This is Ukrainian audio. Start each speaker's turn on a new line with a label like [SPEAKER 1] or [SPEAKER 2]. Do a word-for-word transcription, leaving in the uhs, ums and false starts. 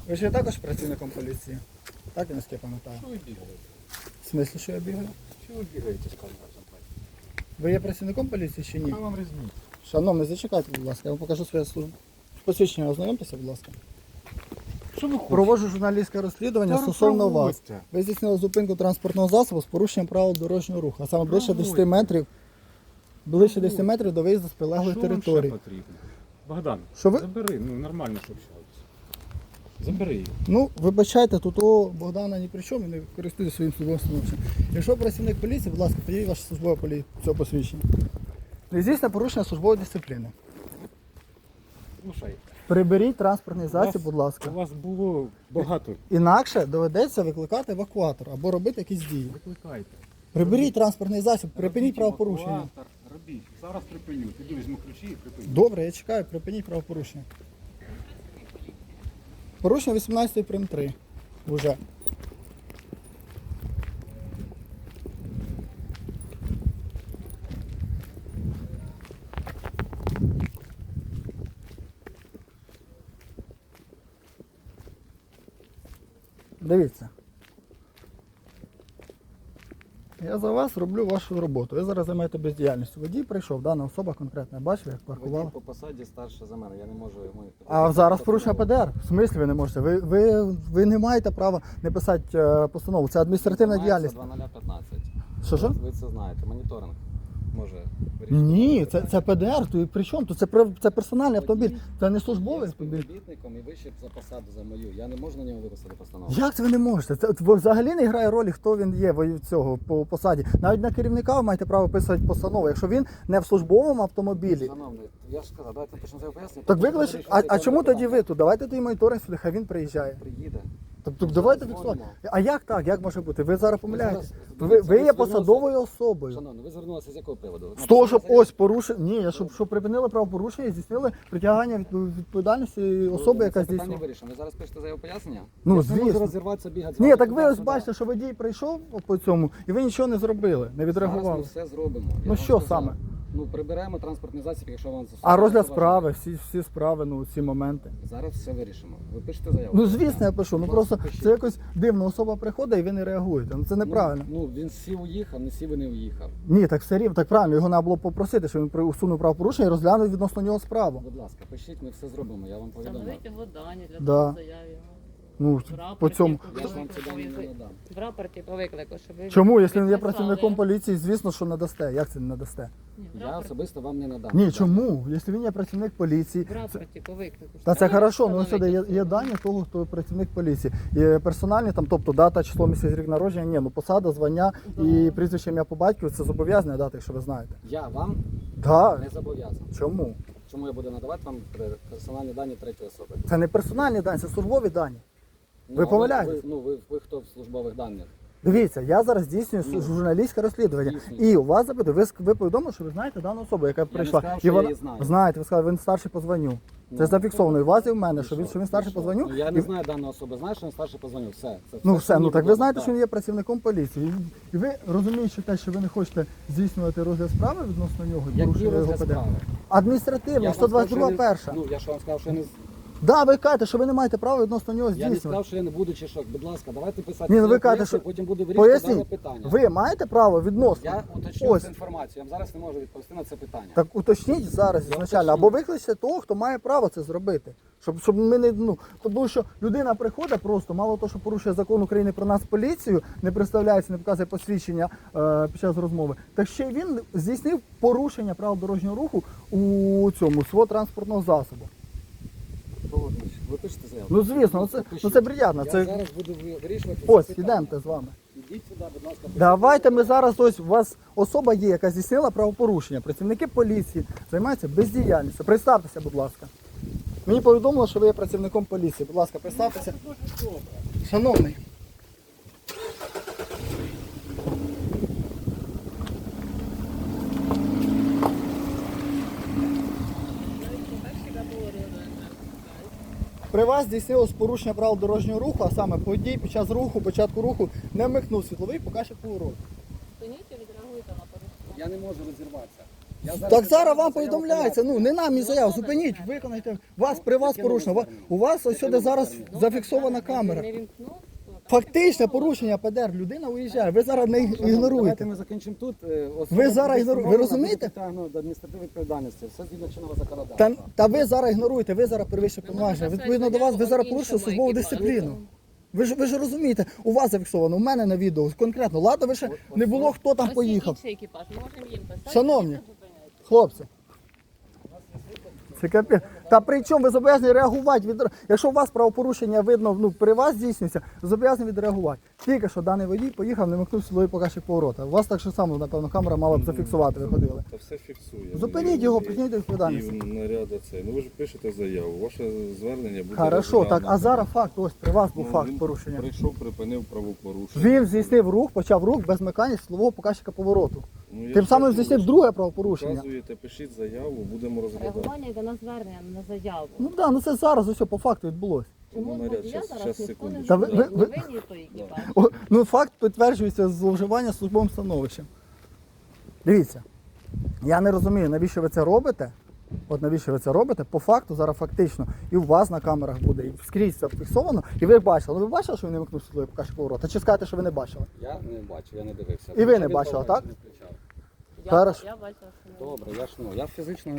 [SPEAKER 1] Ви ж є також працівником поліції? Так, я наскільки пам'ятаю.
[SPEAKER 2] Що ви бігаєте?
[SPEAKER 1] В смислі, що я бігаю?
[SPEAKER 2] Що ви бігаєте з камерою?
[SPEAKER 1] Ви є працівником поліції чи ні?
[SPEAKER 2] Яка вам різниця?
[SPEAKER 1] Шановний, зачекайте, будь ласка, я вам покажу своє службу. Посвідчення ознайомтеся, будь ласка.
[SPEAKER 2] Що ви хочете?
[SPEAKER 1] Проводжу журналістське розслідування
[SPEAKER 2] Та
[SPEAKER 1] стосовно вас.
[SPEAKER 2] проводьте.
[SPEAKER 1] Ви здійснили зупинку транспортного засобу з порушенням правил дорожнього руху, а саме ближче
[SPEAKER 2] Проводьте.
[SPEAKER 1] десяти метрів, ближче десяти метрів до виїзду з прилеглої
[SPEAKER 2] Що вам ще
[SPEAKER 1] території.
[SPEAKER 2] потрібно? Богдан,
[SPEAKER 1] Що ви-
[SPEAKER 2] забери, ну нормально, що общаєтесь. Забери її.
[SPEAKER 1] Ну, вибачайте, тут у Богдана ні при чому, не користуйтесь своїм службовим становищем. Якщо працівник поліції, будь ласка, підійдіть ваше службове полі... цього посвідчення. Не здійснює порушення службової дисципліни.
[SPEAKER 2] Слушай,
[SPEAKER 1] Приберіть транспортний
[SPEAKER 2] у
[SPEAKER 1] засіб,
[SPEAKER 2] вас-
[SPEAKER 1] будь ласка.
[SPEAKER 2] У вас було багато.
[SPEAKER 1] Інакше доведеться викликати евакуатор або робити якісь дії.
[SPEAKER 2] Викликайте.
[SPEAKER 1] Приберіть транспортний засіб, припиніть
[SPEAKER 2] Робіть
[SPEAKER 1] правопорушення.
[SPEAKER 2] евакуатор, Робіть. Зараз припиню. Піду візьму ключі і припиню.
[SPEAKER 1] Добре, я чекаю, припиніть правопорушення. Порушення вісімнадцять прим три. Уже. Дивіться. Я за вас роблю вашу роботу. Ви зараз займаєте бездіяльністю. Водій прийшов, дана особа конкретна. Бачив, як паркувала.
[SPEAKER 3] Водій по посаді старше за мене, я не можу йому...
[SPEAKER 1] А зараз порушення П Д Р? В смислі ви не можете? Ви, ви, ви не маєте права не писати е, постанову. Це адміністративна діяльність.
[SPEAKER 3] два нуль п'ятнадцять.
[SPEAKER 1] Що, що?
[SPEAKER 3] Ви це знаєте, моніторинг може вирішити.
[SPEAKER 1] Ні, це, це П Д Р, то і при чому? То це, при- це персональний автомобіль, це не службовий автомобіль.
[SPEAKER 3] Співробітником і вище за посаду за мою. Я не можу на нього виписати постанову.
[SPEAKER 1] Як це ви не можете? Це взагалі не грає ролі, хто він є в цього по посаді. Навіть на керівника ви маєте право писати постанову, якщо він не в службовому автомобілі.
[SPEAKER 3] Шановний, я ж сказав, давайте почнемо це пояснення.
[SPEAKER 1] Так виклич, а, а чому тоді ви тут? Давайте тоді моніторинг сюди, хай він приїжджає.
[SPEAKER 3] Приїде.
[SPEAKER 1] Тобто давайте фіксувати. А як так? Як може бути? Ви зараз помиляєтесь. Ви, ви є посадовою особою.
[SPEAKER 3] Шановний, ви звернулися з якого приводу?
[SPEAKER 1] З того, щоб ось порушення. Ні, я щоб, щоб припинили правопорушення і здійснили притягання від відповідальності особи, яка
[SPEAKER 3] Це питання
[SPEAKER 1] здійснює.
[SPEAKER 3] вирішено. Ви зараз пишете заяву пояснення?
[SPEAKER 1] Ну,
[SPEAKER 3] Я ж не можу
[SPEAKER 1] звісно.
[SPEAKER 3] розірватися, бігати. з
[SPEAKER 1] Ні,
[SPEAKER 3] вами
[SPEAKER 1] так ви ось
[SPEAKER 3] туди-сюди.
[SPEAKER 1] бачите, що водій прийшов по цьому, і ви нічого не зробили, не
[SPEAKER 3] Зараз ми
[SPEAKER 1] відреагували.
[SPEAKER 3] все зробимо. Я
[SPEAKER 1] Ну,
[SPEAKER 3] вам
[SPEAKER 1] що
[SPEAKER 3] сказав.
[SPEAKER 1] саме?
[SPEAKER 3] Ну, приберемо транспортний засіб, якщо вам це
[SPEAKER 1] А розгляд
[SPEAKER 3] важливо.
[SPEAKER 1] справи, всі, всі справи, ну ці моменти.
[SPEAKER 3] Зараз все вирішимо. Ви пишете заяву?
[SPEAKER 1] Ну звісно, я пишу. Ну
[SPEAKER 3] Будь
[SPEAKER 1] просто
[SPEAKER 3] ласка, пишіть.
[SPEAKER 1] це якось дивно. Особа приходить і ви не реагуєте. Ну це неправильно.
[SPEAKER 3] Ну, ну він сів уїхав, не сів і не уїхав.
[SPEAKER 1] Ні, так все рівно, так правильно. Його треба було попросити, щоб він при- усунув правопорушення і розглянув відносно нього справу.
[SPEAKER 3] Будь ласка, пишіть, ми все зробимо, я вам повідомлю.
[SPEAKER 4] Встановити його дані для
[SPEAKER 1] Да.
[SPEAKER 4] того заяві.
[SPEAKER 1] Ну
[SPEAKER 4] В рапорті
[SPEAKER 1] по цьому.
[SPEAKER 4] по
[SPEAKER 3] Я ж вам ці
[SPEAKER 4] виклику,
[SPEAKER 3] дані не
[SPEAKER 4] ви-
[SPEAKER 3] надам.
[SPEAKER 4] В рапорті по виклику, щоб ви
[SPEAKER 1] Чому, якщо він є
[SPEAKER 4] підписали.
[SPEAKER 1] працівником поліції, звісно, що надасте. Як це не надасте?
[SPEAKER 4] Ні, в
[SPEAKER 3] Я
[SPEAKER 4] рапорті-
[SPEAKER 3] особисто вам не надам.
[SPEAKER 1] Ні, чому? Якщо він є працівник поліції,
[SPEAKER 4] В рапорті по виклику.
[SPEAKER 1] та це
[SPEAKER 4] Треба
[SPEAKER 1] хорошо, ну сюди є,
[SPEAKER 4] встановити
[SPEAKER 1] є
[SPEAKER 4] особу.
[SPEAKER 1] дані того, хто працівник поліції. Є персональні, там, тобто дата, число, місяць, рік народження, ні, ну посада, звання і прізвище ім'я по батькові це зобов'язані дати, якщо ви знаєте.
[SPEAKER 3] Я вам
[SPEAKER 1] Так.
[SPEAKER 3] не зобов'язаний.
[SPEAKER 1] Чому?
[SPEAKER 3] Чому я буду надавати вам персональні дані третьої особи?
[SPEAKER 1] Це не персональні дані, це службові дані.
[SPEAKER 3] Ну,
[SPEAKER 1] Ви
[SPEAKER 3] а
[SPEAKER 1] помиляєтесь.
[SPEAKER 3] Ви, ну, ви, ви хто в службових даних?
[SPEAKER 1] Дивіться, я зараз здійснюю
[SPEAKER 3] Ну,
[SPEAKER 1] журналістське розслідування.
[SPEAKER 3] здійснюйте.
[SPEAKER 1] І у вас запитую, ви, ск- ви повідомили, що ви знаєте дану особу, яка прийшла.
[SPEAKER 3] сказав,
[SPEAKER 1] і
[SPEAKER 3] що я
[SPEAKER 1] вона
[SPEAKER 3] її знаю.
[SPEAKER 1] знаєте, ви сказали, він старший по званню. Це
[SPEAKER 3] Ну,
[SPEAKER 1] зафіксовано і у вас і в мене,
[SPEAKER 3] І
[SPEAKER 1] що він,
[SPEAKER 3] що?
[SPEAKER 1] що він старший
[SPEAKER 3] І
[SPEAKER 1] по
[SPEAKER 3] що?
[SPEAKER 1] званню.
[SPEAKER 3] Ну, я
[SPEAKER 1] І-
[SPEAKER 3] не знаю дану особу, знаю, що він старший по званню. Все. Це
[SPEAKER 1] Ну
[SPEAKER 3] що
[SPEAKER 1] все, ну
[SPEAKER 3] мені
[SPEAKER 1] так ви
[SPEAKER 3] було,
[SPEAKER 1] знаєте,
[SPEAKER 3] да.
[SPEAKER 1] що він є працівником поліції. І- І ви розумієте те, що ви не хочете здійснювати розгляд справи відносно нього,
[SPEAKER 3] Який
[SPEAKER 1] порушує його
[SPEAKER 3] розгляд
[SPEAKER 1] ПД.
[SPEAKER 3] справи?
[SPEAKER 1] Адміністративно,
[SPEAKER 3] Я вам
[SPEAKER 1] сто двадцять друга
[SPEAKER 3] сказав, що я
[SPEAKER 1] перша.
[SPEAKER 3] не- Ну, я ж вам сказав, що я не... з-
[SPEAKER 1] Да, ви кажете, що ви не маєте права відносно нього
[SPEAKER 3] Я не
[SPEAKER 1] здійснювати.
[SPEAKER 3] сказав, що я не буду чешок. Будь ласка, давайте писати.
[SPEAKER 1] Ні, ну ви
[SPEAKER 3] заяву,
[SPEAKER 1] кажете, що
[SPEAKER 3] потім буду вирішувати дане
[SPEAKER 1] поясніть,
[SPEAKER 3] питання.
[SPEAKER 1] ви маєте право відносно.
[SPEAKER 3] Я уточню
[SPEAKER 1] Ось.
[SPEAKER 3] цю інформацію. Я вам зараз не можу відповісти на це питання.
[SPEAKER 1] Так уточніть зараз
[SPEAKER 3] Я
[SPEAKER 1] ізначально,
[SPEAKER 3] уточню.
[SPEAKER 1] або викличте того, хто має право це зробити. Щоб, щоб ми не, ну, тому що людина приходить просто, мало того, що порушує закон України про нас поліцію, не представляється, не показує посвідчення е, під час розмови, так ще й він здійснив порушення правил дорожнього руху у цьому свого транспортного засобу.
[SPEAKER 3] Погоджуюсь. Ви пишете заяву?
[SPEAKER 1] Ну звісно, ну це, ну це приємно.
[SPEAKER 3] Я
[SPEAKER 1] Це...
[SPEAKER 3] зараз буду ви- вирішувати
[SPEAKER 1] Ось,
[SPEAKER 3] це питання.
[SPEAKER 1] ідемте з вами.
[SPEAKER 3] Ідіть сюди, будь ласка.
[SPEAKER 1] Давайте ми зараз, ось у вас особа є, яка здійснила правопорушення. Працівники поліції займаються бездіяльністю. Представтеся, будь ласка. Мені повідомило, що ви є працівником поліції. Будь ласка, представтеся. Шановний. При вас здійснилось порушення правил дорожнього руху, а саме водій під час руху, початку руху не вмикнув світловий показчик повороту.
[SPEAKER 4] Зупиніть і відреагуйте на порушення.
[SPEAKER 3] Я не можу розірватися. Я
[SPEAKER 1] Так зараз вам
[SPEAKER 3] заяву
[SPEAKER 1] повідомляється, ну не нам і заяву, зупиніть, виконайте Вас при вас
[SPEAKER 3] Яке
[SPEAKER 1] порушено.
[SPEAKER 3] нове
[SPEAKER 1] Ва-
[SPEAKER 3] звернення?
[SPEAKER 1] У вас ось
[SPEAKER 3] Яке
[SPEAKER 1] сюди
[SPEAKER 3] нове
[SPEAKER 1] зараз
[SPEAKER 3] звернення?
[SPEAKER 1] зафіксована камера.
[SPEAKER 4] Не вімкнув, то там
[SPEAKER 1] Фактичне
[SPEAKER 4] зафіксовано.
[SPEAKER 1] порушення ПДР. Людина уїжджає. Ви зараз не
[SPEAKER 3] Давайте
[SPEAKER 1] ігноруєте.
[SPEAKER 3] ми закінчимо тут. Е, особа
[SPEAKER 1] Ви зараз
[SPEAKER 3] буде
[SPEAKER 1] ігнору- ви
[SPEAKER 3] встановлена,
[SPEAKER 1] розумієте?
[SPEAKER 3] буде притягнуто до адміністративної відповідальності. Все згідно чинного
[SPEAKER 1] Та,
[SPEAKER 3] законодавства.
[SPEAKER 1] та ви зараз ігноруєте, ви зараз перевищуєте
[SPEAKER 4] Ми
[SPEAKER 1] повноваження.
[SPEAKER 4] можемо
[SPEAKER 1] Відповідно до вас, ви зараз порушуєте
[SPEAKER 4] іншому
[SPEAKER 1] службову
[SPEAKER 4] екіпажу.
[SPEAKER 1] дисципліну. Ви ж ви ж розумієте, у вас зафіксовано, у мене на відео конкретно. Ладно, ви ще не було, хто там
[SPEAKER 4] Ось є
[SPEAKER 1] поїхав.
[SPEAKER 4] інший екіпаж, можемо їм писати.
[SPEAKER 1] Шановні.
[SPEAKER 4] і тут зупиняйте.
[SPEAKER 1] Хлопці. Це капець. Та при чому ви зобов'язані реагувати? Від... Якщо у вас правопорушення видно, ну, при вас здійснюється, ви зобов'язані відреагувати. Тільки що даний водій поїхав, не вимкнув силовий показчик поворота. У вас так же само, напевно, камера мала б зафіксувати, ви ходили.
[SPEAKER 2] Та все фіксує.
[SPEAKER 1] Зупиніть його, притягніть до відповідальності.
[SPEAKER 2] І наряда це. Ну ви ж пишете заяву. Ваше звернення буде
[SPEAKER 1] Хорошо, так, а
[SPEAKER 2] розглянуто.
[SPEAKER 1] зараз факт, ось при вас був
[SPEAKER 2] Ну,
[SPEAKER 1] факт
[SPEAKER 2] він
[SPEAKER 1] порушення.
[SPEAKER 2] Прийшов, припинив правопорушення.
[SPEAKER 1] Він здійснив рух, почав рух без вмикання силового показчика повороту.
[SPEAKER 2] Ну, я
[SPEAKER 1] Тим
[SPEAKER 2] ж
[SPEAKER 1] самим
[SPEAKER 2] кажу,
[SPEAKER 1] здійснив
[SPEAKER 2] ви ж
[SPEAKER 1] друге правопорушення.
[SPEAKER 2] Показуєте, пишіть заяву, будемо розглядати.
[SPEAKER 4] Реагування йде на звернення, не на заяву.
[SPEAKER 1] Ну так, да, ну це зараз ось по факту відбулося.
[SPEAKER 4] Чому
[SPEAKER 2] Ну,
[SPEAKER 4] з
[SPEAKER 2] наряд,
[SPEAKER 4] водія
[SPEAKER 2] щас-
[SPEAKER 4] зараз
[SPEAKER 2] щас,
[SPEAKER 4] ніхто не
[SPEAKER 2] секундочку.
[SPEAKER 1] Та ви-
[SPEAKER 4] журить?
[SPEAKER 1] ви- ви-
[SPEAKER 4] Не винні той екіпаж.
[SPEAKER 1] О, ну факт підтверджується зловживання службовим становищем. Дивіться, я не розумію, навіщо ви це робите. От навіщо ви це робите? По факту зараз фактично і у вас на камерах буде, і скрізь це фіксовано, і ви бачили. Ну ви бачили, що він не вимкнув свій показчик поворота? Чи скажете, що ви не бачили?
[SPEAKER 3] Я не бачу, я не дивився.
[SPEAKER 1] І ви не
[SPEAKER 3] Він
[SPEAKER 1] бачили,
[SPEAKER 3] того
[SPEAKER 1] так?
[SPEAKER 3] не включав.
[SPEAKER 4] Я,
[SPEAKER 1] Хорошо.
[SPEAKER 4] я бачила, що не
[SPEAKER 3] Добре, я ж ну, я фізично